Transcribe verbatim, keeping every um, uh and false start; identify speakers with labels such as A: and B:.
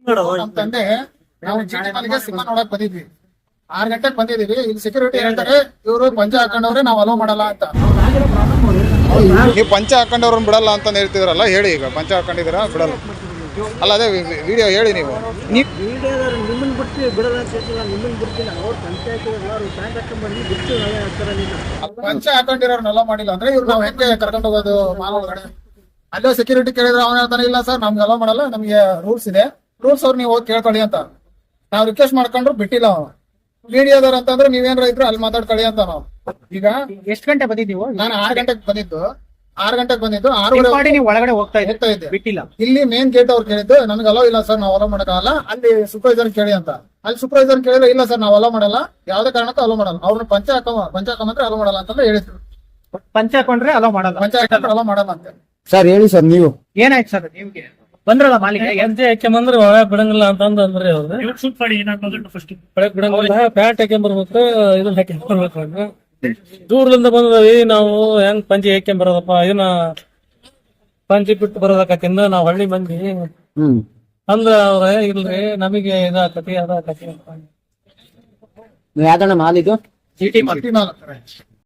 A: ನಮ್ ತಂದೆ ನಾವು ಜಿಟಿ ಮನೆಗೆ ಸಿನಿಮಾ ನೋಡಕ್ ಬಂದಿದ್ವಿ. ಆರ್ ಗಂಟೆಗೆ ಬಂದಿದೀವಿ. ಇಲ್ಲಿ ಸೆಕ್ಯೂರಿಟಿ ಹೇಳ್ತಾರೆ ಇವರು ಪಂಚ ಹಾಕೊಂಡವ್ರೆ ನಾವ್ ಅಲೋ ಮಾಡಲ್ಲ ಅಂತ.
B: ನೀವು ಪಂಚ ಹಾಕೊಂಡವ್ರನ್ನ ಬಿಡಲ್ಲ ಅಂತ ಹೇಳ್ತಿದ್ರಲ್ಲ, ಹೇಳಿ ಈಗ ಪಂಚ ಹಾಕೊಂಡಿದ್ದೀರಾ ಬಿಡಲ್ಲ ಅಲ್ಲ, ಅದೇ ವಿಡಿಯೋ ಹೇಳಿ ನೀವು.
C: ನಿಮ್ಮನ್ನ ಬಿಡ್ತೀವಿ ಬಿಡಲ್ಲ ಅಂತ ಹೇಳ್ತಿಲ್ಲ, ನಿಮ್ಮನ್ನ ಬಿಡ್ತೀನಿ. ಅವ್ರು ಪಂಚಾಯತ್ ಬ್ಯಾಂಕ್ ಹಾಕೊಂಡ್ಬಂದು ಬಿಡ್ತೀವಿ ನಾವೇ ಹಾಕ್ತಾರ.
A: ಪಂಚ ಹಾಕೊಂಡಿರೋರ್ನ ಅಲೋ ಮಾಡಿಲ್ಲ ಅಂದ್ರೆ ಇವ್ರು ನಾವ್ ಹೆಂಗೆ ಕರ್ಕೊಂಡು ಹೋಗೋದು ಮಾಲ್ ಒಳಗಡೆ? ಅಲ್ಲೇ ಸೆಕ್ಯೂರಿಟಿ ಕೇಳಿದ್ರೆ ಅವನ ಹೇಳ್ತಾನೆ ಇಲ್ಲ ಸರ್ ನಮ್ಗೆ ಅಲೋ ಮಾಡಲ್ಲ, ನಮ್ಗೆ ರೂಲ್ಸ್ ಇದೆ, ರೂಲ್ಸ್ ಅವ್ರು ನೀವು ಹೋಗಿ ಕೇಳ್ಕೊಳ್ಳಿ ಅಂತ. ನಾವ್ ರಿಕ್ವೆಸ್ಟ್ ಮಾಡ್ಕೊಂಡ್ರು ಬಿಟ್ಟಿಲ್ಲ ಅವನು. ಮೀಡಿಯಾದವ್ರ ಅಂತಂದ್ರೆ ನೀವೇನ್ರ ಇದ್ರು ಅಲ್ಲಿ ಮಾತಾಡ್ಕೊಳ್ಳಿ ಅಂತ ನಾವು. ಈಗ
C: ಎಷ್ಟು ಗಂಟೆ ಬಂದಿದ್ದೀವೋ?
A: ನಾನು ಆರ್ ಗಂಟೆಗೆ ಬಂದಿದ್ದು ಆರ್ ಗಂಟೆಗೆ ಬಂದಿದ್ದು ಆರೂವರೆ
C: ನೀವು ಒಳಗಡೆ ಹೋಗ್ತಾ
A: ಹೋಗ್ತಾ ಇದ್ದೆ.
C: ಬಿಟ್ಟಿಲ್ಲ.
A: ಇಲ್ಲಿ ಮೇನ್ ಗೇಟ್ ಅವ್ರು ಕೇಳಿದ್ದು ನನ್ಗೆ ಅಲೋ ಇಲ್ಲ ಸರ್, ನಾವು ಅಲೋ ಮಾಡಲ್ಲ. ಅಲ್ಲಿ ಸೂಪರ್ವೈಸರ್ ಕೇಳಿ ಅಂತ. ಅಲ್ಲಿ ಸೂಪರ್ವೈಸರ್ ಕೇಳಿದ್ರೆ ಇಲ್ಲ ಸರ್ ನಾವು ಅಲೋ ಮಾಡಲ್ಲ, ಯಾವ್ದೇ ಕಾರಣಕ್ಕೂ ಅಲೋ ಮಾಡಲ್ಲ. ಅವ್ರನ್ನ ಪಂಚ ಹಾಕೋ ಪಂಚ ಹಾಕೊಂಡ್ರೆ ಅಲೋ ಮಾಡಲ್ಲ ಅಂತ ಹೇಳಿದ್ರು.
C: ಪಂಚ ಹಾಕೊಂಡ್ರೆ ಅಲೋ ಮಾಡಲ್ಲ,
A: ಪಂಚ ಹಾಕೊಂಡ್ರೆ ಅಲೋ ಮಾಡಲ್ಲ ಅಂತ.
D: ಸರ್ ಹೇಳಿ ಸರ್, ನೀವು
C: ಏನಾಯ್ತು ಸರ್? ನಿಮ್ಗೆ ಬಂದ್ರಲ್ಲ ಮಾಲೀಕ
E: ಹೆಜ್ಜೆ ಹಾಕ್ಯಂಬಂದ್ರೆ ಒಳಗೆ ಬಿಡಂಗಿಲ್ಲ ಅಂತ ಅಂದ್ರೆ ಅವ್ರು ಒಳಗೆ ಬಿಡಂಗಿಲ್ಲ, ಪ್ಯಾಂಟ್ ಹಾಕ್ಯಂಬರ್ಬೇಕು, ಇದನ್ನ ಹಾಕ್ಯಂಬರ್ಬೇಕು. ದೂರದಿಂದ ಬಂದವಿ ನಾವು, ಹೆಂಗ್ ಪಂಚಿ ಹಾಕ್ಯಂಬರೋದಪ್ಪ, ಇದನ್ನ ಪಂಚಿ ಬಿಟ್ಟು ಬರೋದಕ್ಕಿಂದ ನಾವ್ ಹಳ್ಳಿ ಮಂದಿ
D: ಹ್ಮ್
E: ಅಂದ್ರ ಅವ್ರ ಇಲ್ರಿ ನಮಗೆ ಇದಾಕತಿ ಅದಾಕತಿ ಅಂತ.
D: ಯಾವ್ದಣ್ಣ ಮಾಲ್ ಇದು?
C: GT
A: mall.